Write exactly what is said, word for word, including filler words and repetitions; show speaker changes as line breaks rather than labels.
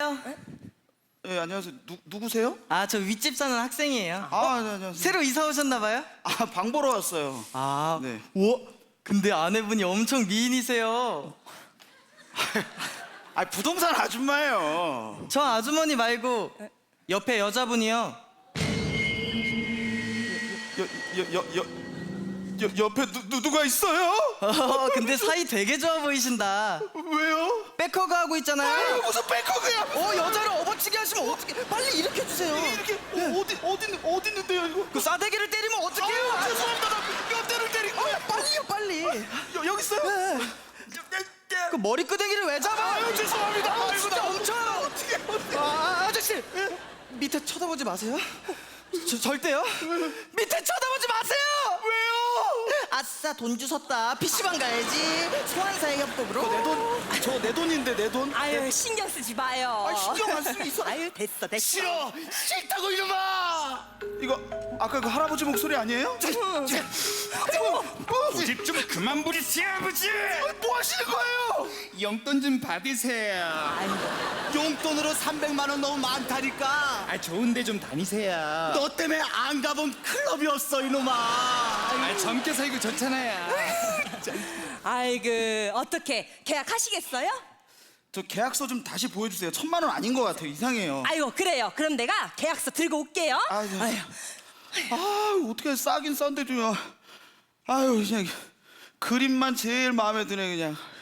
안녕하세요.
예, 안녕하세요. 누, 누구세요?
아, 저 윗집 사는 학생이에요.
아, 네, 안녕하세요.
새로 이사 오셨나 봐요?
아, 방 보러 왔어요.
아,
네.
우와. 근데 아내분이 엄청 미인이세요.
아, 부동산 아줌마예요.
저 아주머니 말고 옆에 여자분이요.
여, 여, 여, 여, 여 옆에 누, 누, 누가 있어요?
어, 근데 사이 되게 좋아 보이신다.
왜요?
백허그 하고 있잖아요.
아유, 무슨 백허그야?
어, 여자를 업어치게 하시면 어떻게? 빨리 일으켜 주세요.
이렇게 어, 어디 어디 있는- 어디 있는데요, 이거?
그 싸대기를 때리면 어떡해요?
아, 죄송합니다. 나몇 대를 때린 거야.
빨리요, 빨리.
여, 여기 있어요?
네. 그 머리끄댕이를 왜 잡아?
아유, 죄송합니다.
아,
아이고,
진짜
나
엄청.
어떻게 어떻게?
아, 아저씨 밑에 쳐다보지 마세요. 저, 절대요. 밑에 쳐다보지 마세요.
왜요?
아싸, 돈 주웠다. 피시방 가야지. 소환사의 협곡으로.
내 돈, 저 내 돈인데 내 돈.
아유 신경 쓰지 마요.
아, 신경 안 쓰고 있어.
아유 됐어 됐어.
싫어, 싫다고 이놈아. 이거 아까 그 할아버지 목소리 아니에요?
고집 좀 그만 부리세요, 아버지.
뭐 하시는 거예요?
용돈 좀 받으세요.
용돈으로 삼백만 원 너무 많다니까.
아, 좋은데 좀 다니세요.
너 때문에 안 가본 클럽이었어 이놈아.
아, 젊게 살고 좋잖아요.
아이고 어떻게 계약하시겠어요?
저 계약서 좀 다시 보여주세요. 천만 원 아닌 것 같아요. 이상해요.
아이고 그래요. 그럼 내가 계약서 들고 올게요.
아유, 아, 어떻게 싸긴 싼데 좀. 아유, 그냥 그림만 제일 마음에 드네 그냥.